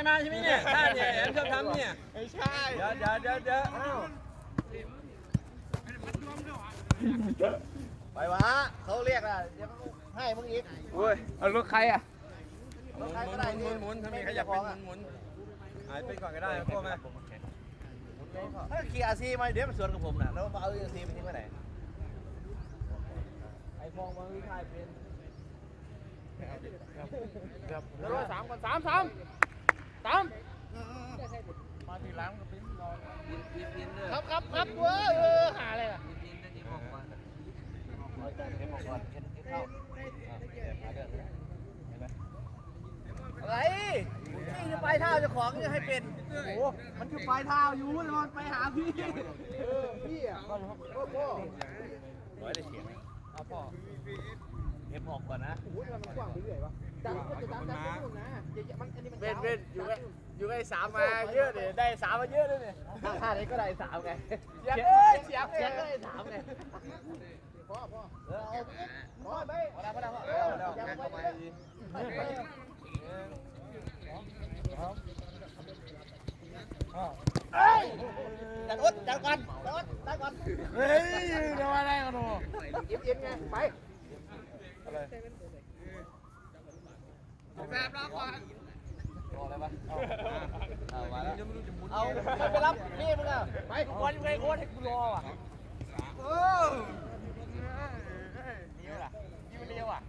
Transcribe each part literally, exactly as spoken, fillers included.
มาใช่ไหมเนี่ยท่าเนี่ยแอมชอบทำเนี่ยไม่ใช่เดี๋ยวเดี๋ยวเดี๋ยวเดี๋ยวไปวะเขาเรียกอ่ะเดี๋ยวเขาให้มึงอีกโอ้ยเอารถใครอ่ะหรมุถนใครหมุก็นได้หมุนหมุนถ้ามีใครอยากเป็นหมุนหายไปก่อนก็ได้พวกแม่ถ้าขี่อาซีมาเดี๋ยวมันสวนกับผมน่ะแล้วมาเอาอาซีไปทิ้งไว้ไหนไอ้ฟองมันวิทายเป็นแล้วร้อยสามก่อนสามสามสามมาทีหลังก็เป็นรอครับครับครับเว้ยเออหาอะไรล่ะอะไรนี่คือปลายเท้าเจ้าของจะให้เป็นโอ้โหมันคือปลายเท้าอยู่เลยมันไปหาพี่เออพี่อ่ะพ่อพ่อร้อยได้เสียงเอาพ่อเก็บออกก่อนนะโอ้ยมันกว้างไปเรื่อยวะดังก็จะดังดังไปหมดนะมันอันนี้มันเว้นเว้นอยู่ไงอยู่ไงสามมาเยอะเนี่ยได้สามมาเยอะเลยเนี่ยท่าไหนก็ได้สามไงเสียงเอ้ยเสียงเสียงก็ได้สามไงพ่อพ่อเออเอาพ่อไปพอแล้วพอแล้วพ่อเออยังเข้าไปดีจัดอุดจัดก่อนจัดอุดจัดก่อนเฮ้ยเดี๋ยวอะไรกันหนูเย็นๆไงไปอะไรแซ่บรอก่อนรออะไรวะเอามาแล้วเอาไปรับนี่มึงอ่ะไปวันยังไงโค้ชให้กูรออ่ะเออนี่ล่ะนี่มันเร็วอ่ะ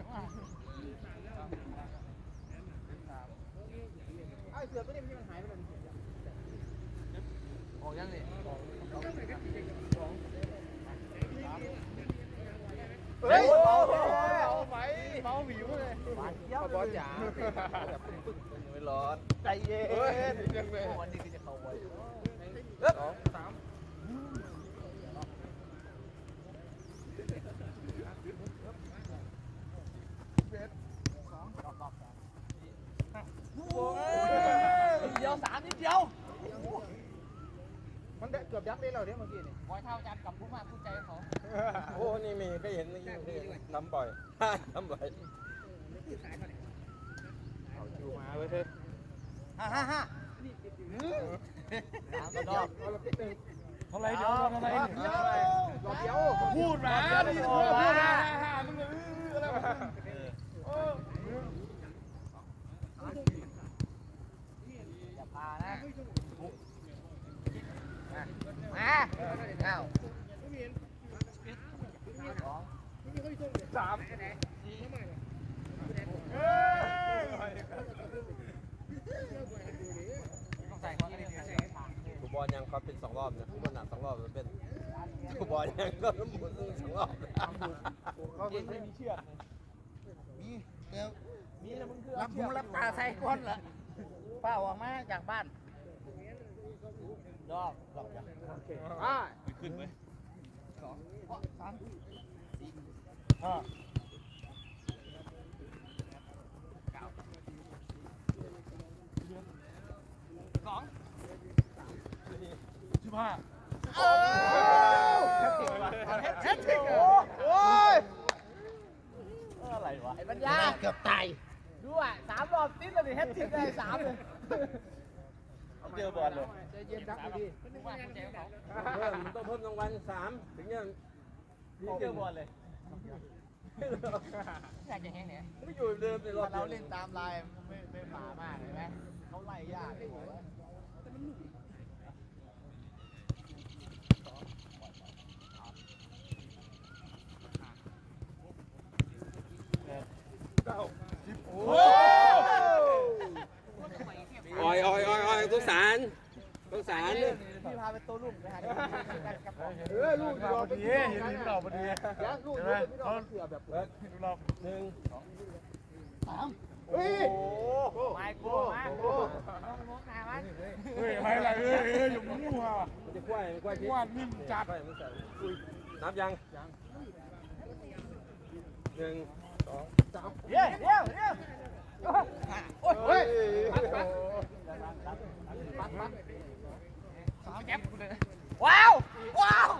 ไอ้เสือตัวนี้มันหายไปเลยออกยังนี่เฮ้ยเมาเอาไปเมาหวิวเลยบอลบอลจ๋าแบบปึ้งๆไม่ร้อนใจเย็นวันนี้คือจะเข้าไว้สองสามเดียวสามนิดเดียวมันเกือบยับได้แล้วเนี่ยเมื่อกี้นี่ร้อยเท่าจันกับผู้มากผู้ใจเขาโอ้นี่มีก็เห็นทำบ่อยทำบ่อยเอาจูมาไว้เถอะฮ่าฮ่าฮ่าสามกระดอกเท่าไรเดี๋ยวเท่าไรเดียวเดียวพูดมาดิพูดมามึงอะไรวะอย่าพานะมาเอ้าสามกูบอลยังเขาเป็นสองรอบเนี่ยกูบอลหนักสองรอบมันเป็นกูบอลยังก็หมุนสองรอบเขาไม่มีเชือกมีเดี๋ยวมีแล้วมึงคือรับหูรับตาใส่ก้นเหรอเปล่าออกมาจากบ้านดอกดอกอย่างโอเคอ่าขึ้นไหมสองสามสี่ห้าเก้าสองสิบห้าโอ้แฮตติกว่ะแฮตติกโอ้ยอะไรวะไอ้ปัญญาเกือบตายดูอ่ะสามรอบติดเลยแฮตติกได้สามเลยเจอบอลเลยใจเย็นดักดีเพิ่มต้องเพิ่มรางวัลสามถึงจะเจอบอลเลยอยากจะแห้งเนี่ยไม่อยู่เดิมในรอบเราเล่นตามลายไม่ไม่หมามากเห็นไหมเขาไล่ยากเลยเก้าสิบโอ้ออยออยออยออยสงสารสงสารเลยพี่พาไปโต้รุ่งไปหาเออลูกเราพอดีเห็นเราพอดีลูกเขาเสือแบบเลิกรอบหนึ่งสามเฮ้ยไม่กลัวมากกลัวมองหน้ามันเฮ้ยไม่อะไรเฮ้ยเฮ้ยอยู่มั่วมันจะกล้วยกล้วยกล้วยนิ่มจัดนับยังหนึ่งสองสามเดี๋ยวเดี๋ยวเดี๋ยวโอ้ยว้าวว้าว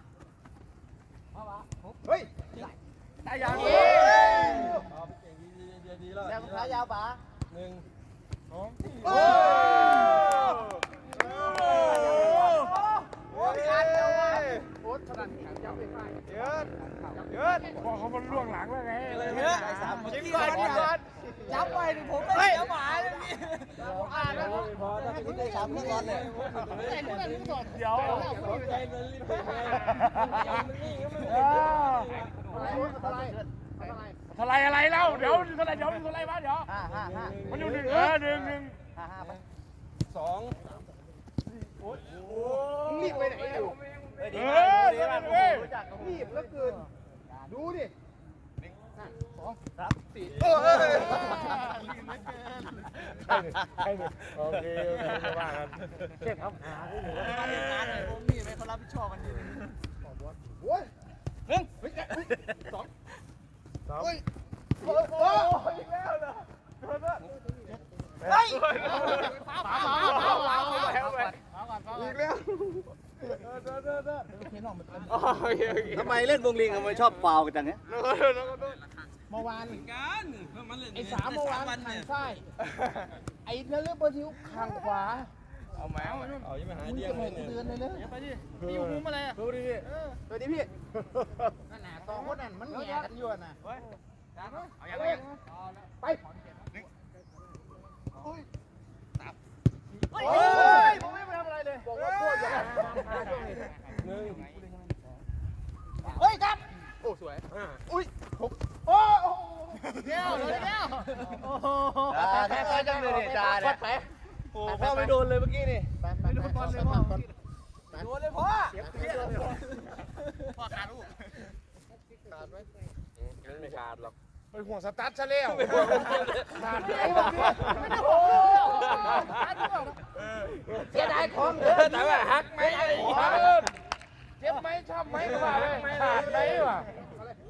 เฮ้ยได้ยังเฮ้ยดีดีดีแล้วแล้วขายาวป๋าหนึ่งสองโอ้พอถ้าเป็นได้สามลูกบอลเนี่ยเดี๋ยวใจมันรีบไปไงมันนี่ก็มันทลายอะไรเล่าเดี๋ยวทลายเดี๋ยวทลายมาเดี๋ยวห้าห้าห้ามันอยู่หนึ่งเออหนึ่งหนึ่งห้าห้าไปสองรีบไปไหนอยู่เออเออเออรีบแล้วเกินดูดิโอเคโอเคไม่ว่ากันเช็คครับเรียนงานเลยผมนี่ไม่เขารับผิดชอบมันดีโอ้ยหนึ่งสองสามโอ้ยโอ้ยอีกแล้วเหรอเฮ้ยฟ้าฟ้าฟ้าฟ้าฟ้าฟ้าอีกแล้วทำไมเล่นวงลิงทำไมชอบฟาวกันจังเนี้ยเมื่อวานกันมันเล่นไอ้สามเมื่อวานทางซ้ายไอ้นฤบดิวข้างขวาเอาแมวเอายังไม่หายมึงเดียจะงไปเลยเดือนเลยเลยไปดิพี่อยู่มุมอะไรอ่ะดูดิพี่สวัสดีพี่นั่นน่ะสองคนนั่นมันแย่กันอยู่น่ะเอาอย่างไรไปโอ้ยผมไม่ไปทำอะไรเลยบอกว่าพวกอย่าทำช่วงนี้หนึ่งเฮ้ยครับโอ้สวยห้าอุ้ยหกโอ้โหเดี๋ยวเดี๋ยวโอ้โหแค่จังเลยเนี่ยจ่าเนี่ยโอ้พ่อไม่โดนเลยเมื่อกี้นี่ไม่โดนบอลเลยพ่อโดนเลยพ่อเสียเพี้ยเลยพ่อขาดลูกไม่ขาดหรอกไปห่วงสตาร์ทซะแล้วขาดไหนวะโอ้เสียดายของเด้อแต่ว่าฮักไหมเจ็บไหมชอบไหมก็ว่าเลยขาดไหนวะโอ้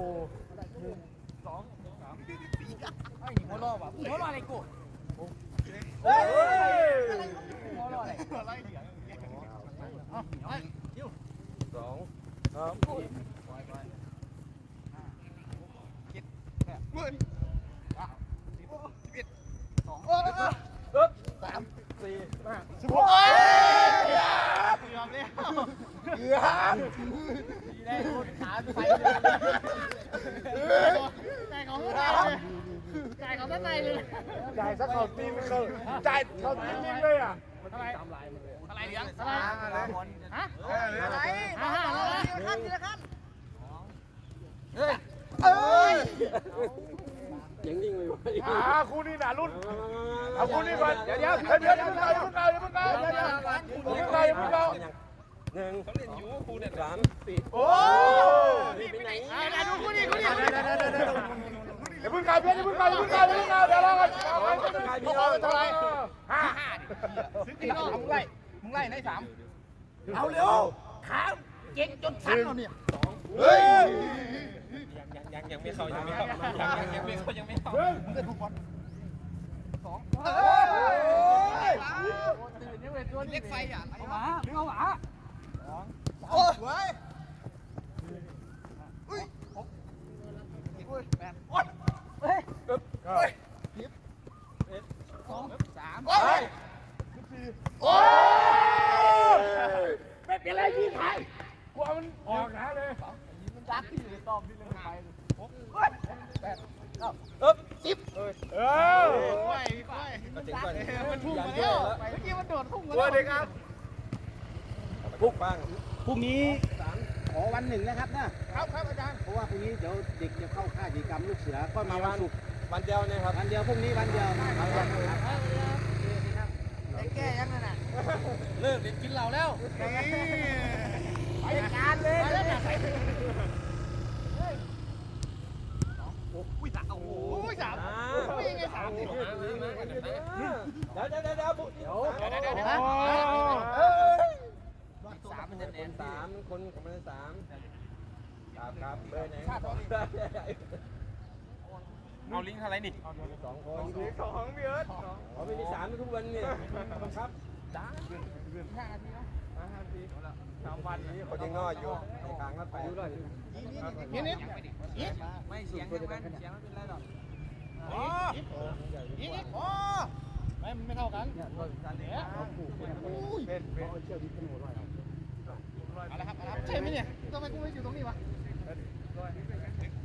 หัวล้อว่ะหัวล้ออะไรกูเฮ้ยหัวล้ออะไรสองครับสามสี่สิบหกยอมแล้วเกือบได้คนขาไปใจของใจของด้านในเลยจ่ายสักเขาตีนเขาจ่ายเขาตีนนิ่งเลยอ่ะอะไรอะไรเหลืองอะไรฮะอะไรห้าห้าแล้วนะทีละขั้นทีละขั้นเฮ้ยเอ้ยยังนิ่งเลยวะอ่าคู่นี้หนารุ่นเอาคู่นี้ก่อนเดี๋ยวเดี๋ยวเดี๋ยวเดี๋ยวเดี๋ยวเดี๋ยวเดี๋ยวเดี๋ยวเดี๋ยวเดี๋ยวเดี๋ยวเดี๋ยวเดี๋ยวหนึ่งเขาเล่นอยู่คู่เนี่ยสามสี่โอ้ไปไหนไหนดูคู่นี้คู่นี้เดี๋ยวพึ่งกายเพื่อนเดี๋ยวพึ่งกายเดี๋ยวพึ่งกายเดี๋ยวพึ่งกายเดี๋ยวเรากันเอาไปเอาไปเท่าไหร่ห้าสิบสี่มึงไล่มึงไล่ในสามเอาเร็วขาเก่งจนสั่นแล้วเนี่ยเฮ้ยยังยังยังไม่เข้ายังไม่เข้ายังยังยังไม่เข้ายังไม่เข้ามึงจะทุกบอลสองเอ้ยตื่นยังเป็นตัวเล็กไฟอ่ะเอาหวาเอาหวาโอ้ยอุ้ยหกอุ้ยแปดโอ้ยเฮ้ยสองสามโอ้ยโอ้ยไม่เป็นไรพี่ไทยกลัวมันออกนะเลยมันรักที่อยู่ในตอมที่เล่นไปเอ๊บเออไฟไฟก็ถึงก่อนมันพุ่งมาแล้วเมื่อกี้มันโดดพุ่งมาสวัสดีครับปุ๊บบ้างพรุ่งนี้ขอวันหนึ่งนะครับนะครับครับอาจารย์เพราะว่าพรุ่งนี้เดี๋ยวเด็กจะเข้าค่ายกิจกรรมลูกเสือก็มาวันศุกร์วันเดียวเนี่ยครับวันเดียวพรุ่งนี้วันเดียวแก้ยังนั่นน่ะเลิกเด็กกินเหล้าแล้วไปการเลยไปแล้วนะอุ้ยสามโอ้โหอุ้ยสามอ่าอุ้ยยังไงสามเดี๋ยวเดี๋ยวเดี๋ยวเดี๋ยวเดี๋ยวเดี๋ยวเดี๋ยวเดี๋ยวเดี๋ยวสามมันจะแน่นสามคนของมันสามครับครับเบอร์ไหนเอาลิงก์อะไรนี่สองคนสองพี่เอิร์ธเขาไม่มีสามทุกวันเนี่ยครับจ้าห้านาทีนะห้านาทีสามวันนี้คนยังน้อยอยู่ในกลางรถไฟอยู่ด้วยนิดนิดนิดไม่เสียงยังไงเสียงไม่เป็นไรหรอกอ๋อนิดนิดอ๋อไม่ไม่เท่ากันเนี่ยเป็นเป็นเอาละครับเอาละใช่ไหมเนี่ยทำไมกูไม่อยู่ตรงนี้วะ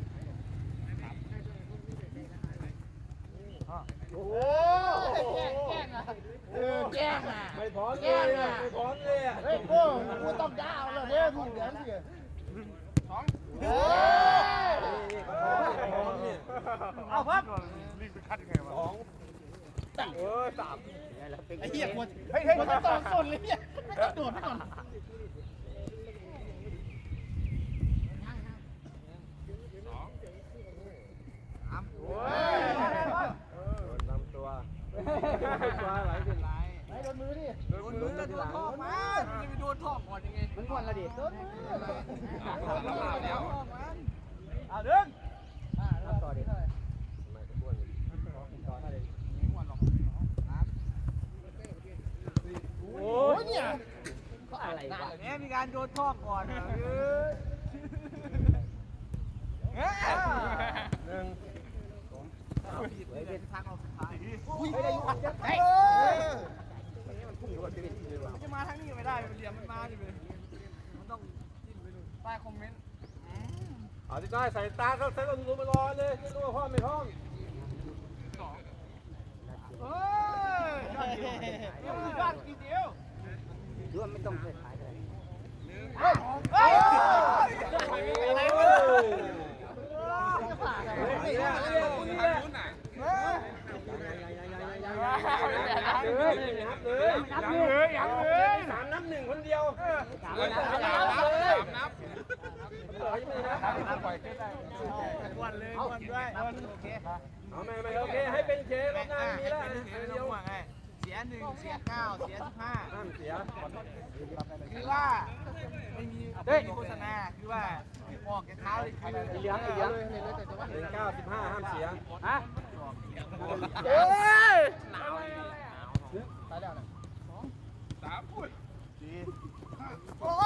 โอ้แก่แย่งอ่ะไม่พร้อมเลยอ่ะไม่พร้อมเลยอ่ะเฮ้ยกูกูต้องดาวเลยเนี่ยถูกเหรียญสิสองเฮ้ยพร้อมเนี่ยเอาพับสองเออสามไอ้เหี้ยควรเฮ้ยเฮ้ยมันต้องสนเลยเนี่ยโดดไปก่อนนำตัวตัวไหลเป็นไรไอ้โดนมือดิโดนมือจะโดนท่อมาจะไปโดนท่อก่อนยังไงมันก่อนละดิโดนมือเอาดึงต่อดิโอ้ยเนี่ยก็อะไรวะเนี่ยมีการโดนท่อก่อนเออหนึ่งเป็นทางออกสุดท้ายไม่ได้ยุ่งจะเฮ้ยจะมาทางนี้ไม่ได้มันเหลี่ยมมันมาดิมันต้องจิ้มไปดูใต้คอมเมนต์เอาที่ใต้ใส่ตาเขาใส่ลมลมมารอเลยไม่รู้ว่าพ่อไม่พ่อมเฮ้ยยอดดียอดกี่เดียวดูว่าไม่ต้องไปขายเลยเฮ้ยเฮ้ยอะไรวะจะผ่านอะไรนี่แหละนี่แหละนี่แหละเลยนับเลยนับเลยนับเลยสามนับหนึ่งคนเดียวสามนับสามนับเลยสามนับเออยังไม่นับนับปล่อยขึ้นได้วันเลยวันด้วยโอเคเอาไม่ไม่โอเคให้เป็นเครอบหน้าไม่มีแล้วเดียวเสียหนึ่งเสียเก้าเสียสิบห้าห้ามเสียคือว่าไม่มีโฆษณาคือว่าออกแกเท้าเลยคือเหลืองเหลืองหนึ่งเก้าสิบห้าห้ามเสียฮะเฮ้ยหนาวตายแล้วนะสามพูดโอ้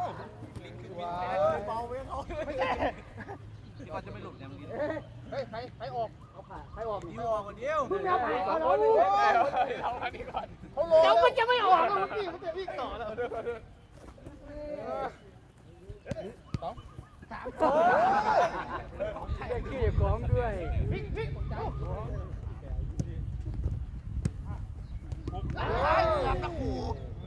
เบาเว้ยเขาไม่ใช่ที่ว่าจะไม่หลุดเนี่ยเมื่อกี้เฮ้ยใครใครออกเอาผ่าใครออกดีออกคนเดียวมึงเอาผ่าสอเอางแล้ควนเอาอันนี้ก่อนเขาลงแล้วมันจะไม่ออกแล้วพี่มันจะวิ่งต่อแล้วสองสามได้ขี้ของด้วยวิ่งวิ่งเจ้าตะคู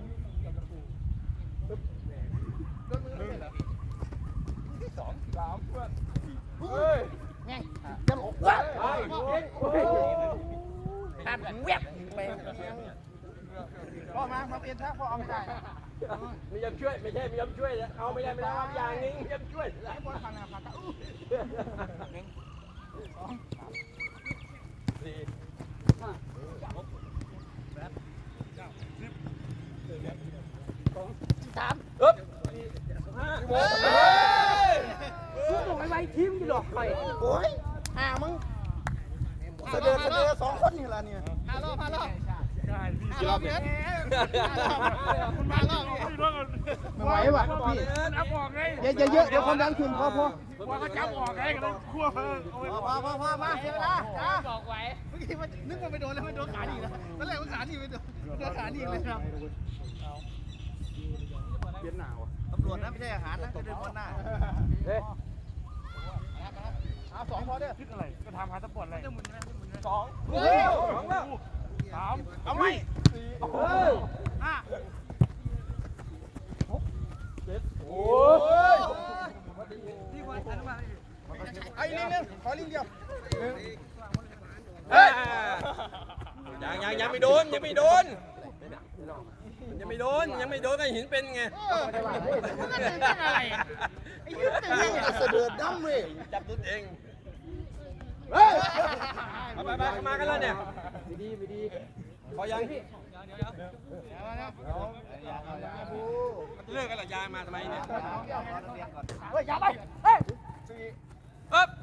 ตัดเว็บไปพ่อมามาเปลี่ยนท่าพ่อเอาไม่ได้ไม่ยอมช่วยไม่ใช่ไม่ยอมช่วยเอาไม่ได้ไม่ได้เอาอย่างนึงไม่ยอมช่วยไอ้บอลพันนะพันตะอู้หนึ่งสองสี่สามอึ๊บห้าสู้ตรงไอ้ไว้ทีมกี่หลอกใครโอ้ยห่ามึงเสด็จเสด็จสองคนนี่ละเนี่ยห้ารอบห้ารอบห้ารอบเนี่ยคุณมารอบไม่ไหวว่ะพี่นับออกไงเยอะเยอะเดี๋ยวความดันขึ้นพอพอว่าเขาจับออกไงกันคั่วเพิ่งเอาไว้พอพอพอมาเสียเวลาจ้าบอกไว้เมื่อกี้มันนึกว่าไปโดนแล้วมันโดนขาหนีนะตอนแรกมันขาหนีไปโดนโดนขาหนีเลยครับเปลี่ยนหนาวตำรวจนะไม่ใช่อาหารนะจะเดินบนหน้าเฮ้ยเอาสองพอเด้อคิดอะไรก็ทำหาสปอร์ตอะไรจะหมุนใช่ไหมหมุนใช่ไหมสองเฮ้ยสองแล้วสามเอาไหมเฮ้ยห้าเจ็ดโอ้ยที่วันอนุบาลไอ้ลิงนึงขอลิงเดียวเฮ้ยยังยังยังไม่โดนยังไม่โดนยังไม่โดนยังไม่โดนก็หินเป็นไงมันก็ตื่นเต้นอะไรไอ้ยืดตื่นเต้นเสด็จดำเว้ยจับตุ๊ดเองเฮ้ยไปไปมากันแล้วเนี่ยไม่ดีไม่ดีพอยังเลิกกันหรอยายมาทำไมเนี่ยเฮ้ยอย่าไปเฮ้ยเอ๊บ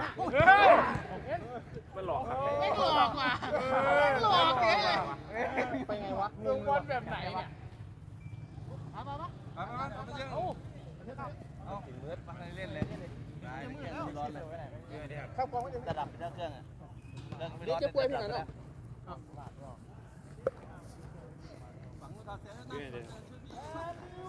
มันหลอกครับไม่หลอกว่ะหลอกเก๋เลยไปไงวะลงบอลแบบไหนเนี่ยมามามามามามาเยอะเอาเบิร์ดมาเล่นเลยได้ร้อนเลยเข้ากองก็จะระดับเป็นเครื่องอ่ะเครื่องไม่เดี๋ร้ยอวน จะป่วยพี่หน่อยเนาะฝังมือต่อเสียแล้วนะ